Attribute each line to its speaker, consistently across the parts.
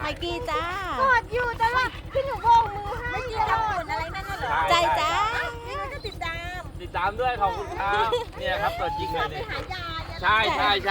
Speaker 1: ไมกี้จ้าก
Speaker 2: อดอยู่แต่ว่าพี่หนูโบกมือให้
Speaker 3: ไม่กินทำบุญอะไรนั่นน่ะเหรอ
Speaker 1: ใจจ้า
Speaker 3: นี่มันก็ติดตาม
Speaker 4: ติดตามด้วยขอบคุณครับเนี่ยครับตัวจริงเลย
Speaker 2: ไป
Speaker 4: นี่
Speaker 2: หายาย
Speaker 4: ใช่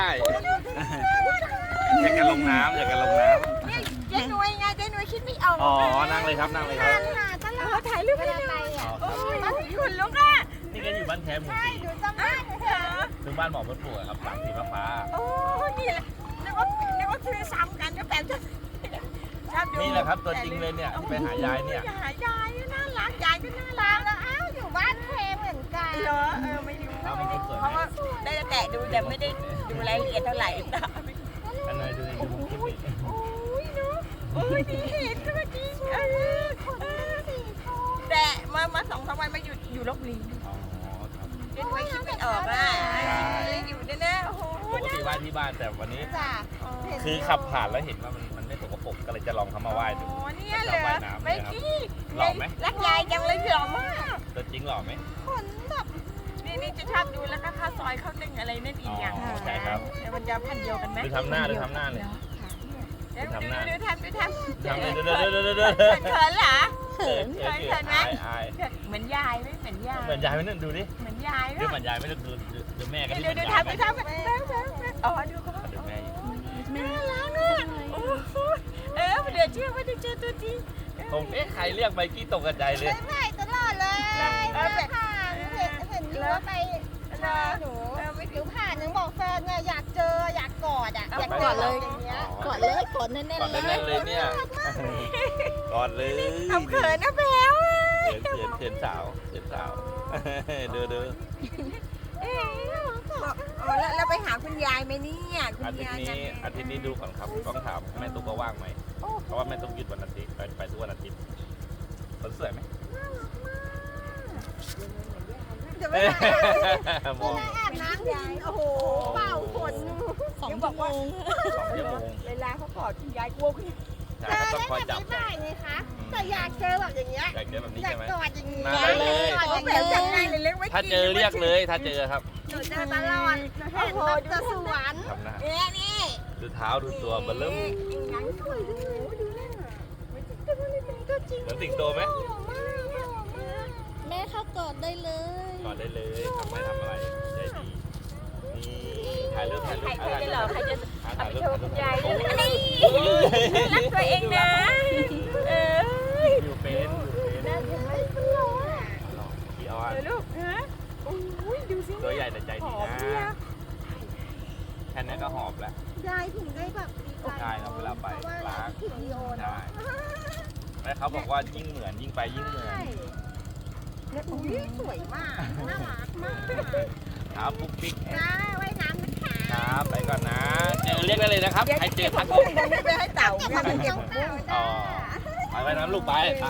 Speaker 4: อยากจะลงน้ำอยากจะลงน้
Speaker 3: เจ๊หน่วยไงเจ๊หน่วยคิดไม่ออก
Speaker 4: ำอ๋อนั่งเลยครับนั่งเลยครับ
Speaker 2: หาตลอด
Speaker 3: ถ่ายรูปให้ดู
Speaker 2: ไปอ่ะ
Speaker 4: อ๋อครับ
Speaker 3: โอ้ยคุณลุกอ่ะ
Speaker 4: นี่ก็อยู่บ้านแคมหมู่สี่
Speaker 2: หนูจำได้เลย
Speaker 3: เหรอ
Speaker 4: ถึงบ้านหมอพระปลูกครับหลังสีฟ้า
Speaker 3: โอ้นี่แหละนึกว่าคือซ้ำกันก็แปลกชอบดู
Speaker 4: นี่แหละครับตัวจริงเลยเนี่ยที่ไปหายายเนี่ย
Speaker 3: หายายน่ารักยายก็น่ารัก
Speaker 2: แล้วอ้าวอยู่บ้านเพเหมือนกัน
Speaker 3: เหรอไม่รู้
Speaker 4: เอามันก็สวย
Speaker 3: เพราะว่าได้แต่ดูแต่ไม่ได้ดูรายละเอียดเท่าไหร่ตา
Speaker 4: อันไหนดูดูคลิปนี้
Speaker 3: โอ้ยเนาะโอ้ยดีเห็นก็เมื่อกี้แต่มา2-3 วันมาอยู่ลบบุรี
Speaker 4: อ๋อครับ
Speaker 3: เจ๊หน่วยคิดไม่ออกอ่ะอยู่แน่ๆโอ้โห
Speaker 4: ปกติไหว้ที่บ้านแต่วันนี้
Speaker 2: จ้ะ
Speaker 4: คือขับผ่านแล้วเห็นว่ามันไม่สกปรกก็เลยจะลองเข้ามาไหว้ดู
Speaker 3: อ๋อเนี่ยเหรอไม่กี้
Speaker 4: หล่อไหม
Speaker 3: รักยายจังเลยหล่อมาก
Speaker 4: ตัวจริงหล่อไหม
Speaker 2: คนแบบ
Speaker 3: นี่จะชอบดูแล้วก็ข้าวซอยข้าวเต้งอะไรนั่นอีกอย่าง
Speaker 4: อ๋อใช่ครับ
Speaker 3: มันจะพันเดียวกันไหม
Speaker 4: ดูทำหน้าเลย
Speaker 3: ดูทำ
Speaker 4: ดูเลย
Speaker 3: เขินเหรอ
Speaker 4: เ
Speaker 3: เขินไหม
Speaker 4: อาย
Speaker 3: เหมือนยายไหมเหมือนยาย
Speaker 4: เหมือนยายไหมนั่นดูดิ
Speaker 3: เหมือนยาย
Speaker 4: ดูเหมือนยายไหมดูแม่กัน
Speaker 3: เดี๋ยวทำไปอ๋อดูเขา
Speaker 4: ดูแม่อยู่
Speaker 3: น่ารักอ่ะโอ้โหเหลือเชื่อว่าจะเจอตัวจริง
Speaker 4: ผมใครเรียกไมกี้ตกกระจายเลย
Speaker 2: ไม่ไหวตลอดเลยผ่านเห็นอยู่ว่าไปหนูผิวผ่านยังบอกแฟนเนี่ยอยากเจออยากกอดอ่ะอยากกอดเลยอย่างเงี้ย
Speaker 1: กดเลยกดแน่น
Speaker 4: กอด
Speaker 1: ๆเล
Speaker 4: แน่น
Speaker 1: ย
Speaker 4: ๆเลยเนี่ยกอดเลย
Speaker 3: เอาเขินนะแพลว
Speaker 4: เขียนสาวดู
Speaker 3: แล้วไปหาคุณยายไหมเนี่ยคุณ
Speaker 4: อาทิต
Speaker 3: ยาย
Speaker 4: ย์นี้ดูก่อนครับต้องถามแม่ตุ๊กก็ว่างไหมเพราะว่าแม่ตุ๊กหยุดวันอาทิตย์ไปทุกวันอาทิตย์คนสวยไหม
Speaker 2: จะไม่ได้
Speaker 4: มอง
Speaker 2: อาบน้ำยินโอ้โหเป่าขน
Speaker 1: 2 ชั่วโมง
Speaker 4: 2 ชั่วโมง
Speaker 3: เวลาเขากอดคุณยายกลัวคุณ
Speaker 4: ใช่
Speaker 2: เจอ
Speaker 4: ก็ต้องคอย
Speaker 2: ได้
Speaker 4: จับ
Speaker 2: ไม่ได้ไงคะแต่อยากเจอแบบอย่างเงี้ย
Speaker 4: อยากเจอแบบนี้
Speaker 2: อยาก
Speaker 4: ใช่ไหม
Speaker 2: กอดอย่างนี้
Speaker 4: มาเลย
Speaker 2: กอดอย่าง
Speaker 3: แบ
Speaker 2: นี้
Speaker 3: บจังไงเลยเล็กไว้
Speaker 4: ถ้าเจอเรียกเลยถ้าเจอครับ
Speaker 2: หนูเจอตลอดหนูเห็นแบบจะสวน
Speaker 4: ทำหน้า
Speaker 3: นี่
Speaker 4: ดูเท้าดูตัวเบลเริ่ม
Speaker 3: ยังสวยด้วยดูนั่นตัวจริง
Speaker 4: เหมือนสิงโตไหม
Speaker 1: แม่เข้ากอดได้เลย
Speaker 4: กอดได้เลยทำไม่ทำอะไรใจดีนี่ถ่ายรูป
Speaker 3: ใครจะหล่อใครจะ
Speaker 4: ถ่ายรูป
Speaker 3: โชว์คุณยาย
Speaker 4: โอ้
Speaker 3: อะไรรักตัวเองนะ
Speaker 4: อยู่เป็น
Speaker 2: น่าจะไม่เป็นหรอก
Speaker 4: ขี้อ้อน
Speaker 3: ลูกฮะโอ้ยดูสิ
Speaker 4: ตัวใหญ่แต่ใจ
Speaker 3: ห
Speaker 4: ดี
Speaker 3: อม
Speaker 4: นะ
Speaker 3: เชียว
Speaker 4: แค่นี้ก็หอบแล้ว
Speaker 2: ยายถึงได้แบบดีใจ
Speaker 4: ใช่ครับเวลาไป
Speaker 2: เพราะว่าเราถึงดีโอ
Speaker 4: ใช่
Speaker 2: เนาะ
Speaker 4: แล้วเขาบอกว่ายิ่งเหมือนยิ่งไปยิ่งเหมือน
Speaker 2: ใช่แล้วอุ้ยสวยมากน่ารักมาก
Speaker 4: ครับปุ๊กปิ๊ก
Speaker 2: นะว่ายน้ำนะคะ
Speaker 4: ครับไปก่อนนะ เจอเรียกได้เลยนะครับใครเจอทัก
Speaker 3: พุ่งตรงนี้ไปให้เต่าเนี่ยมันเก็บ
Speaker 2: เต่า
Speaker 4: อ๋
Speaker 2: จ้า
Speaker 4: อไปไว้น้ำลูกไปค